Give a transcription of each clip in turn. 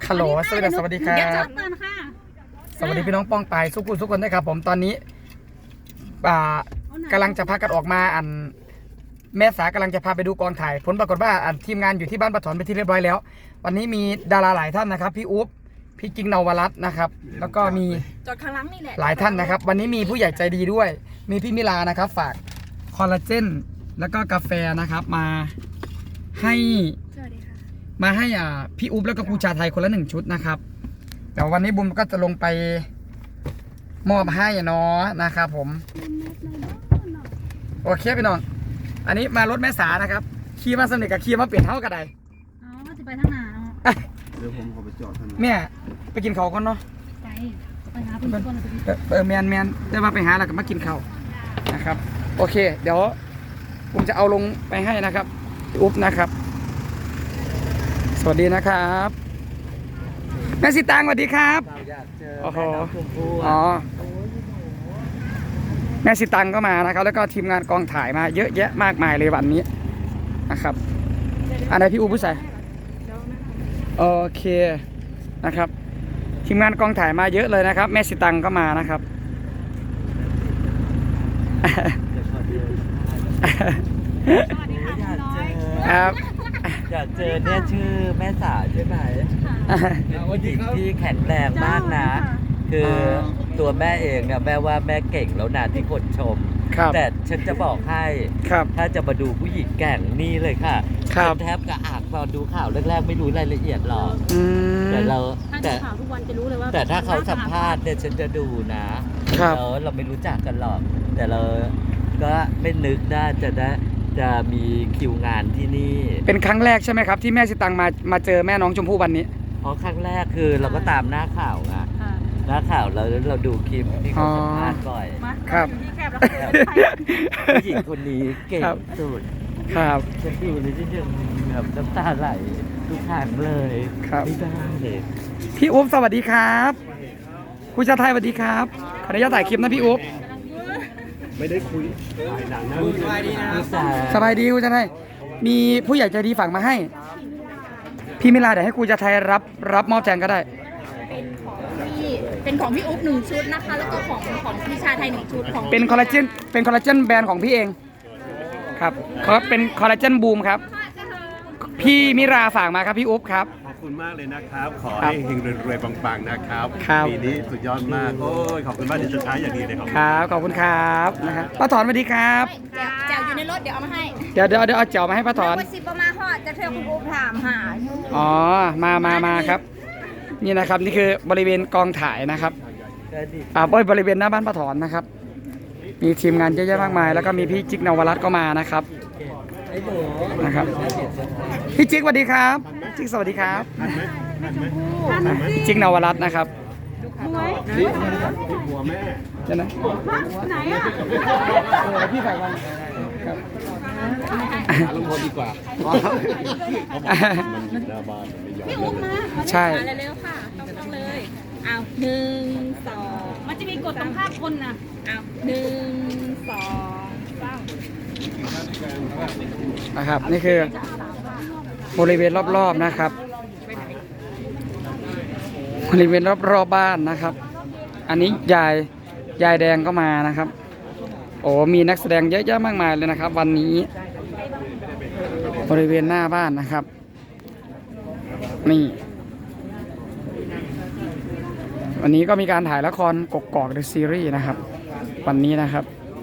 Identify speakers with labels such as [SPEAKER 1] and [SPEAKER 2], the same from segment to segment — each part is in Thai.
[SPEAKER 1] ฮัลโหลสวัสดีครับสวัสดีพี่น้องป้องไปทุกคนด้วยครับผมตอนนี้กำลังจะพากันออกมาแม่สากำลังจะพาไปดูกองถ่ายผลปรากฏว่าทีมงานอยู่ที่บ้านปะถอนไปที่เรียบร้อยแล้ววันนี้มีดาราหลายท่านนะครับพี่อุ๊บพี่กิ๊งนวรัตน์นะครับแล้วก็มี
[SPEAKER 2] จอดข้างหลังนี่แหละ
[SPEAKER 1] หลายท่านนะครับวันนี้มีผู้ใหญ่ใจดีด้วยมีพี่มิลานะครับฝากคอลลาเจนแล้วก็กาแฟนะครับมาให้พี่อุ๊บแล้วก็ครูชาไทยคนละ1 ชุดนะครับเดี๋ยววันนี้บุญก็จะลงไปมอบให้เนาะนะครับผมโอเคพี่น้องอันนี้มารถแม่สานะครับขี่มาสนิทกับขี่มาเปลี่ยนเท่ากันใด
[SPEAKER 2] อ๋อจะไปทางไหนเนาะ
[SPEAKER 3] เดี๋ยวผมขอไปจอดท่าน
[SPEAKER 1] แม่ไปกินข้าวก่อนเนาะ
[SPEAKER 2] ไปหาเพื่อน
[SPEAKER 1] แมนได้มาไปหาแล้วก็มากินข้าวนะครับโอเคเดี๋ยวผมจะเอาลงไปให้นะครับอุ๊บนะครับสวัสดีนะครับแม่สิตางสวัสดีครับโอ้โหอ๋อแม่สิตังก็มานะครับแล้วก็ทีมงานกองถ่ายมาเยอะแยะมากมายเลยวันนี้นะครับอันไหนพี่อูผู้ใส่โอเคนะครับทีมงานกองถ่ายมาเยอะเลยนะครับแม่สิตังก็มานะครับครับ
[SPEAKER 4] อยากเจอเนี่ยชื่อแม่สาใช่ไหมผู้หญิงที่แข็งแรงมากนะคือตัวแม่เองเนี่ยแม่ว่าแม่เก่งแล้วนะที่คนชมแต่ฉันจะบอกให้ถ้าจะมาดูผู้หญิงแก่งนี่เลยค่ะฉันแทบกระอักตอนดูข่าวแรกๆไม่รู้รายละเอียดหรอกแต่เรา
[SPEAKER 2] ข่าวทุกวันจะรู้เลยว่า
[SPEAKER 4] แต่ถ้าเขาสัมภาษณ์เนี่ยฉันจะดูนะแล้วเราไม่รู้จักกันหรอกแต่เราก็ไม่นึกได้จะมีคิวงานที่นี่
[SPEAKER 1] เป็นครั้งแรกใช่ไหมครับที่แม่สิตังมาเจอแม่น้องชมพู่วันนี้
[SPEAKER 4] เพราะครั้งแรกคือเราก็ตามหน้าข่าวไงหน้าข่าวเราดูคลิปที่เขาสัมภาษณ์บ่อย
[SPEAKER 1] ครับ
[SPEAKER 4] ผู้หญิงคนนี้เก่งสุด
[SPEAKER 1] ครับ
[SPEAKER 4] ฉันดูเลยที่ยังแบบน้ำตาไหลทุกครั้งเลยไม่ได้เลย
[SPEAKER 1] พี่อุ๊บสวัสดีครับคุณชาไทยสวัสดีครับขออนุญาตถ่ายคลิปนะพี่อุ๊บ
[SPEAKER 3] ไม่ได้คุยดังนะ
[SPEAKER 1] สบายดีคุณชาไทยมีผู้ใหญ่ใจดีฝากมาให้พี่มิลาเดี๋ยวให้คุณชาไทยรับมอบแทนก็ได้
[SPEAKER 2] เป็นของพี่อุ๊บ1 ชุดนะคะแล้วก็ของพี่ชาไทย1 ชุดของ
[SPEAKER 1] เป็นคอลลาเจนแบรนด์ของพี่เองครับเขาเป็นคอลลาเจนบูมครับพี่มิราฝากมาครับพี่อุ๊บครับ
[SPEAKER 3] ขอบคุณมากเลยนะครับขอให้เฮงรวยปังๆนะครับปีนี้สุดยอดมากโอ้ยขอบคุณมากที่สุดท้ายอย่างดีเลย
[SPEAKER 1] ครับขอบคุณครับนะครับป้าถอนสวัสดีครับ
[SPEAKER 2] แจวอยู่ในรถเดี๋ยวเอามาให้
[SPEAKER 1] เดี๋ยวเอาแจวมาให้ป้าถอน
[SPEAKER 2] 10ประมาณห่อจะเธอคุณอุ๊บถามหา
[SPEAKER 1] อ๋อมาครับนี่นะครับนี่คือบริเวณกองถ่ายนะครับบริเวณหน้าบ้านป้าถอนนะครับมีทีมงานเยอะแยะมากมายแล้วก็มีพี่จิ๊กนวรัตน์ก็มานะครับพี่จิ๊กสวัสดีครับจิ๊กสวัสดีครับจิ๊กนวรัตน์นะครับ
[SPEAKER 3] นี่หัวแม่
[SPEAKER 1] เดี๋ยวนะ
[SPEAKER 2] ไหนอ่ะ
[SPEAKER 1] พี่ฝ่ายวันครับ
[SPEAKER 3] ลงพอดีกว่า
[SPEAKER 2] พี่อุ๊บนะ
[SPEAKER 1] ใช่
[SPEAKER 2] เร็วๆค่ะต้องเลยเอา1 2มันจะมีกฎต้องภาพคนนะเอา1 2 3
[SPEAKER 1] นะครับนี่คือบริเวณรอบๆนะครับบริเวณรอบๆบ้านนะครับอันนี้ยายแดงก็มานะครับโอ้มีนักแสดงเยอะแยะมากมายเลยนะครับวันนี้บริเวณหน้าบ้านนะครับนี่วันนี้ก็มีการถ่ายละครกกอกเดอะซีรีส์นะครับวันนี้นะครับ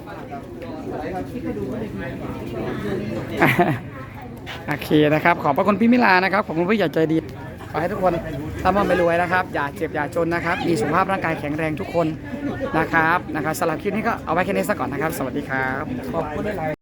[SPEAKER 1] โอเคนะครับขอบพระคุณพี่มิลานะครับขอบคุณผู้ใหญ่ใจดีขอให้ทุกคนร่ำรวยนะครับอย่าเจ็บอย่าจนนะครับมีสุขภาพร่างกายแข็งแรงทุกคนนะครับสำหรับคลิปนี้ก็เอาไว้แค่นี้ซะก่อนนะครับสวัสดีครับขอบคุณหลาย